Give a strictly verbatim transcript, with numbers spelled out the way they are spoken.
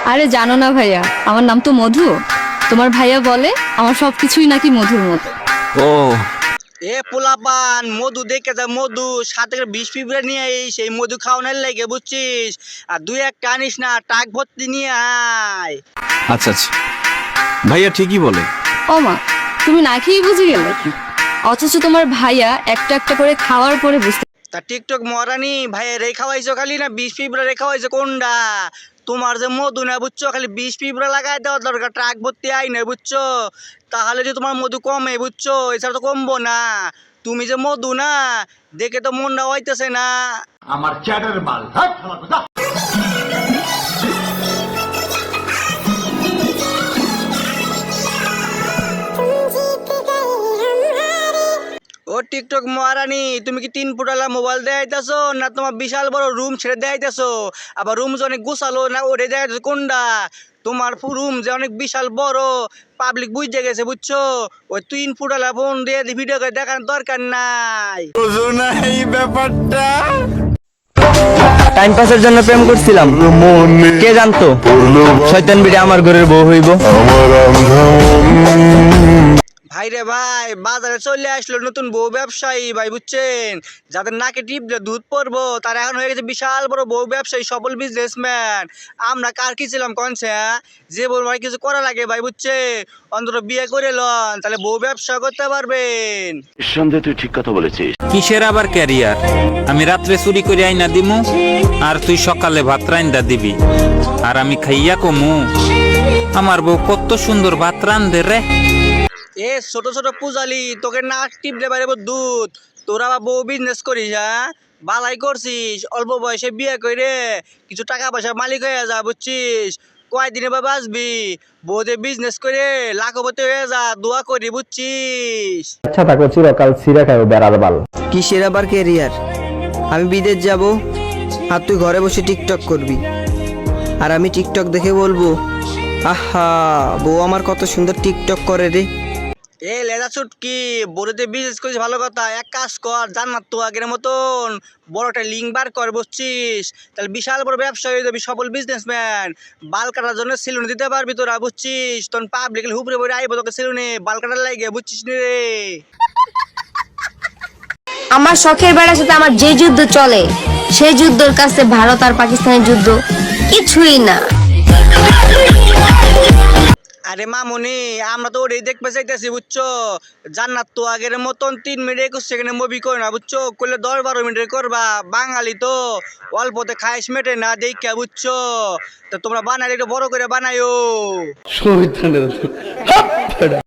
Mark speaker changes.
Speaker 1: আরে জানো না ভাইয়া, আমার নাম তো মধু। তোমার ভাইয়া বলে আমার সবকিছুই নাকি মধুর মতো।
Speaker 2: ও
Speaker 3: এ পোলাপান মধু দেখে যা, মধু সাথে করে বিষ পিঁপড়ে নিয়ে এই সেই মধু খাওয়ানোর লেগে বুঝছিস। আর দুই একটা আনিস না, টাক ভর্তি নিয়ে আয়।
Speaker 2: আচ্ছা আচ্ছা, ভাইয়া ঠিকই বলে।
Speaker 1: ও মা, তুমি না খেয়েই বুঝে গেলে, অথচ তোমার ভাইয়া একটা একটা করে খাওয়ার পরে বুঝতে।
Speaker 3: তা টিকটক মরানি ভাই রে খাওয়াইছো খালি না বিষ পিঁপড়া রে খাওয়াইছো কোনটা? তোমার যে মধু না বুঝছো, খালি বিষ পিঁপড়া লাগাই দেওয়ার দরকার, ট্রাক ভর্তি আই না বুঝছো। তাহলে যে তোমার মধু কমে বুঝছো, এছাড়া তো কমবো না। তুমি যে মধু না দেখে তো মনটা হইতেছে না।
Speaker 4: আমার চ্যাটার মাল হাট শালা কোথা।
Speaker 3: ও টিকটক মহারানী, তুমি কি তিন ফুটালা মোবাইল দেখাইতেছো না তোমার বিশাল বড় রুম ছেড়ে দেখাইতেছো? আবার রুম যে অনেক গুছালো না ওরে দেখাইতেছো কোনটা? তোমার রুম যে অনেক বিশাল বড়, পাবলিক বুঝে গেছে বুঝছো। ওই তিন ফুটালা ফোন দিয়ে ভিডিও করে দেখানোর দরকার নাই।
Speaker 5: টাইম পাসের জন্য প্রেম করছিলাম, কে জানতো শয়তান বিড়ে আমার ঘরের বউ হইব।
Speaker 3: ভাই রে ভাই, বাজারে চলে আসলো নতুন বউ ব্যবসায়ী ভাই বুঝছেন। যাদের নাকে টিপলে দুধ পড়বো তারা এখন হয়ে গেছে বিশাল বড় বউ ব্যবসায়ী, সফল বিজনেসম্যান। আমরা কার কি ছিলাম কনছে? যে বউ ভাই কিছু করা লাগে ভাই বুঝছে, অন্তত বিয়ে করে লন, তাহলে বউ ব্যবসা করতে পারবেন।
Speaker 6: নিঃসন্দেহে তুই ঠিক কথা বলেছিস।
Speaker 7: কিসের আবার ক্যারিয়ার? আমি রাত্রে চুরি করে আইনা দিমু, আর তুই সকালে ভাত রাইন্দা দিবি, আর আমি খাইয়া কমু আমার বউ কত সুন্দর ভাত রান্ধে রে।
Speaker 3: এ ছোট ছোট পূজালি, তোকে নাক টিপলে বাইরে দুধ। তোরা আবার বউ বিজনেস করিস? হ্যাঁ বালাই করছিস, অল্প বয়সে বিয়ে করে কিছু টাকা পয়সা মালিক হয়ে যা বুঝছিস। কয়দিনে বা বাঁচবি? বউতে বিজনেস করে লাখপতি হয়ে যা, দোয়া করি বুঝছিস।
Speaker 5: আচ্ছা থাকো, চিরকাল ছিঁড়ে খাও বেড়ার বাল। কিসের আবার ক্যারিয়ার? আমি বিদেশ যাব, আর তুই ঘরে বসে টিকটক করবি, আর আমি টিকটক দেখে বলবো আহা বউ আমার কত সুন্দর টিকটক করে রে।
Speaker 3: এ লেজা ছুটকি, বড়তে বিজনেস করিস ভালো কথা, এক কাজ কর, জান্নাত তো আগের মতন বড় একটা লিঙ্ক বার কর বুঝছিস। তাহলে বিশাল বড় ব্যবসা হয়ে যাবি, সফল বিজনেসম্যান। বাল কাটার জন্য সেলুন দিতে পারবি তোরা বুঝছিস। তখন পাবলিক হুপরে পড়ে আইব তোকে সেলুনে বাল কাটার লাগে বুঝছিস নি রে।
Speaker 8: আমার শখের বেড়ার সাথে আমার যে যুদ্ধ চলে, সেই যুদ্ধের কাছে ভারত আর পাকিস্তানের যুদ্ধ কিছুই না।
Speaker 3: আরে মামুনি, আমরা তো ওটাই দেখতে চাইতেছি বুঝছো। জান্নাত তো আগের মতন তিন মিনিট একুশ সেকেন্ডে মুভি করে না বুঝছো, করলে দশ বারো মিনিটে করবা। বাঙালি তো অল্পতে খাইস মেটে না দেখা বুঝছো। তো তোমরা বানাইলে একটু বড় করে বানাইও।